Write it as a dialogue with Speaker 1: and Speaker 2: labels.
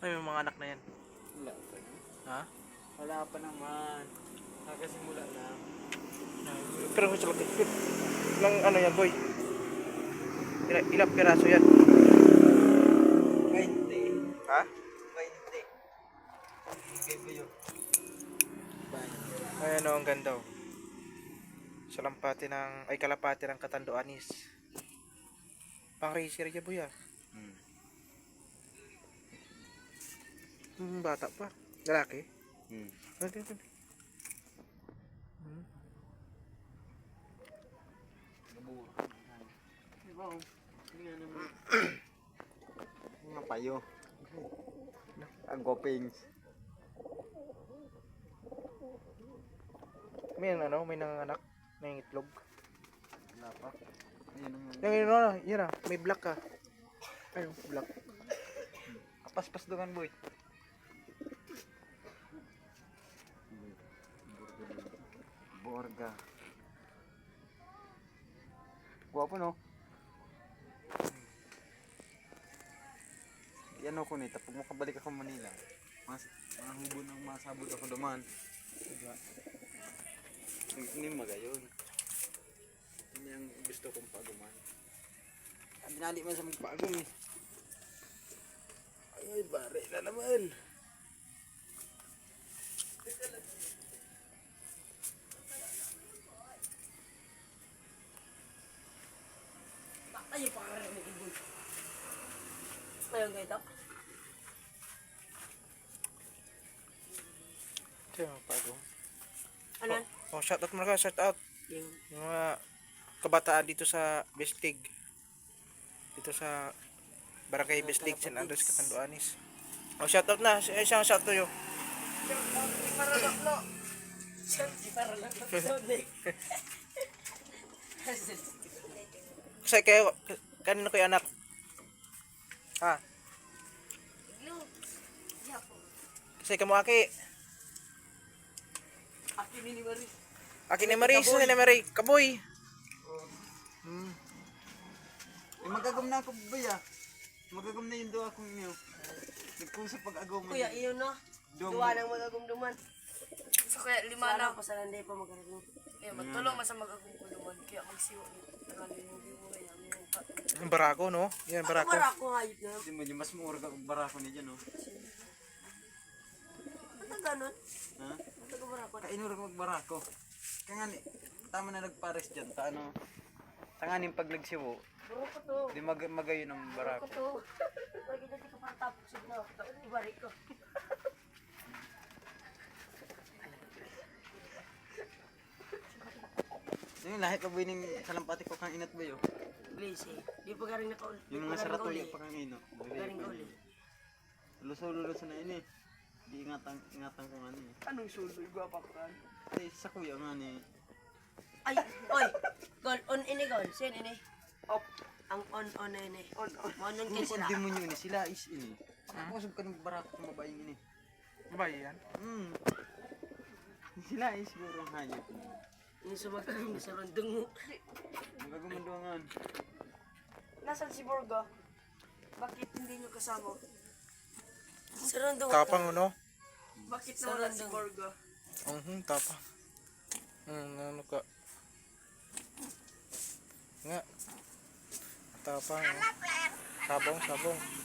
Speaker 1: Ay, may mga anak na yan.
Speaker 2: Wala pa naman.
Speaker 1: Ha?
Speaker 2: Wala pa naman. Nakasimula lang.
Speaker 1: Pero sa laki. Ilang ano yan, boy? Ilang piraso yan?
Speaker 2: 20.
Speaker 1: Ha?
Speaker 2: 20. Okay po yun.
Speaker 1: Ayan o, ang ganda o. Salampati ng, ay kalapati ng Katando Anis. Pang racer niya, boy ah. Bata pa. Lalaki. Okay.
Speaker 2: Diba o? Tingnan naman. Mga payo. Ang gopings.
Speaker 1: May ano, may nanganak. May itlog.
Speaker 2: Wala pa. Ayun ang...
Speaker 1: Yung ano, yun ah, may black ka. Ayun, black.
Speaker 2: Paspas doon boy. Borga. Guwapo no? Yan ako nito, pag makabalik ako Manila, mga hubon ang masabot ako duman. Diba? Hindi magayon. Yan yung gusto kong paguman. Dinali man sa magpagum eh. Ay, bare na naman.
Speaker 3: Ay, pangarap mo ibon. Ngayon kayo ito?
Speaker 1: Ito yung pagong.
Speaker 3: Ano?
Speaker 1: Oh, shout out muna ka, shout out.
Speaker 3: Yung
Speaker 1: Yung mga kabataan dito sa Bestig. Dito sa Barangay Bestig, San Andres, Katando Anis. Oh, shout out na. Isang shout to yo.
Speaker 3: para lang no. Siyempre, para lang no.
Speaker 1: Kasi kayo, kanino kayo anak? Ha? Kasi kamo aki.
Speaker 3: Aki ni Maris.
Speaker 1: Aki ni Maris, ni Marie, kaboy.
Speaker 2: Eh, magagam na ako ba ya? Magagam na yung doa kong inyo. Nagkusap pag-agam.
Speaker 3: Kuya, iyon no. Duwa nang magagumduman.
Speaker 4: So kaya lima
Speaker 3: Sana
Speaker 4: na.
Speaker 3: pa sa landay pa magagum.
Speaker 4: Kaya magtulong man sa mag-agungkuluman. Kaya magsiwa ni tagalin yung bibo na yan.
Speaker 1: Yung barako, no? Yan, barako.
Speaker 3: Para ako hayop na.
Speaker 2: Hindi mo, yung mas mura ka kung barako niya dyan, no?
Speaker 3: Ano ganun?
Speaker 2: Ha?
Speaker 3: Ano barako?
Speaker 2: Kainura ka magbarako. Kaya nga, tama na nagpares dyan. Ta ano, tanganin pag nagsiwo,
Speaker 3: Buro ko to.
Speaker 2: di magayon ng
Speaker 3: Buro
Speaker 2: barako.
Speaker 3: ko to. Lagi dati ko para tapos signo. Ibalik ko.
Speaker 2: Yung lahat pa ba yung salampati ko kang inat ba yun?
Speaker 3: Please eh. Di pa garing nakauli.
Speaker 2: Yung mga saratoy pa kang ino.
Speaker 3: Garing kauli.
Speaker 2: Luso-luso na ini. Di ingatan ko nga ni.
Speaker 3: Anong suloy? Gwapa ko kan.
Speaker 2: Ay, sa kuya nga ni.
Speaker 3: Ay, oy. Gol, on ini gol. Sen ini. Op. Ang on ini. On. Monon kayo
Speaker 2: Kung
Speaker 3: sila.
Speaker 2: demonyo ni sila is ini. Ako ka ng barako kung mabayang ini.
Speaker 1: Babae yan.
Speaker 2: Sila is siguro ang hayop.
Speaker 3: Yung sumagkaroon sa rondong mo.
Speaker 2: Magagumanduangan.
Speaker 4: Nasaan si Borga? Bakit hindi nyo kasama?
Speaker 3: Sa rondong.
Speaker 1: Tapang, no?
Speaker 4: Bakit
Speaker 3: Sa
Speaker 4: nawala si
Speaker 3: random.
Speaker 4: Borga?
Speaker 1: Tapang. Ano ka? Nga. Tapang, no? Sabong.